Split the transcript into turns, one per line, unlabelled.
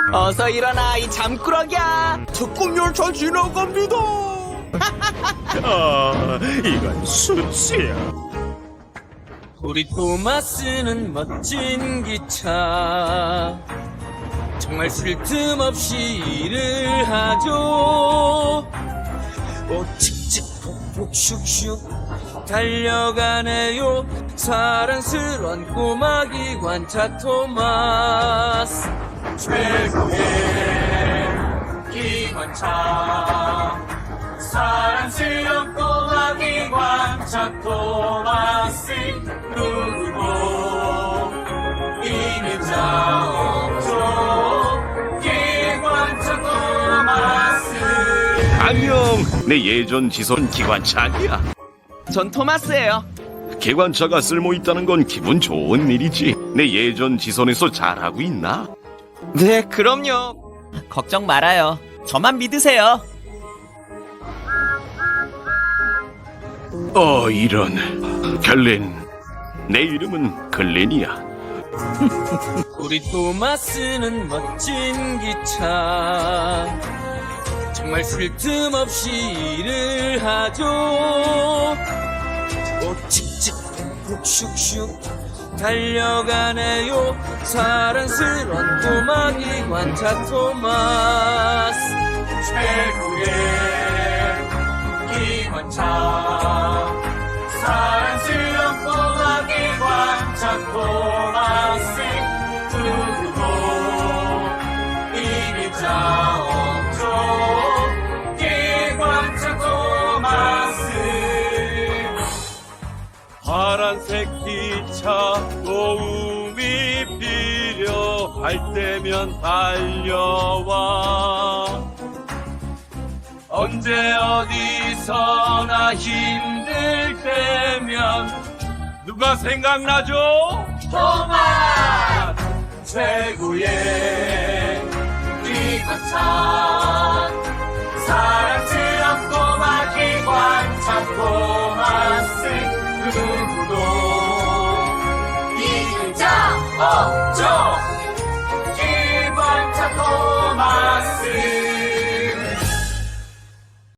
어서 일어나, 이 잠꾸러기야.
특급열차 지나갑니다.
이건 수치야.
우리 토마스는 멋진 기차. 정말 쉴 틈 없이 일을 하죠. 오, 칙칙 폭폭 슉슉 달려가네요. 사랑스런 꼬마 기관차 토마스. 최고의 기관차, 사랑스런 꼬마 기관차 토마스. 누구도 이는 자 없죠. 기관차 토마스.
안녕. 내 예전 지선 기관차 아니야.
전 토마스예요.
기관차가 쓸모 있다는 건 기분 좋은 일이지. 내 예전 지선에서 잘하고 있나?
네, 그럼요. 걱정 말아요. 저만 믿으세요.
이런. 글렌. 내 이름은 글렌이야.
우리 토마스는 멋진 기차. 정말 쉴 틈 없이 일을 하죠. 오, 칙칙 폭폭 슉슉 달려가네요. 사랑스런 꼬마 기관차 토마스. 최고의 기관차, 사랑스런 꼬마 기관차 토마스. 누구도 이길 자 없죠. 기관차 토마스.
파란색 기차 도움이 필요할 때면 달려와. 언제 어디서나 힘들 때면 누가 생각나죠? 토마스! 최고의 기관차, 사랑스런 꼬마 기관차 토마스. 누구도 이길 자 없죠. 기관차 토마스.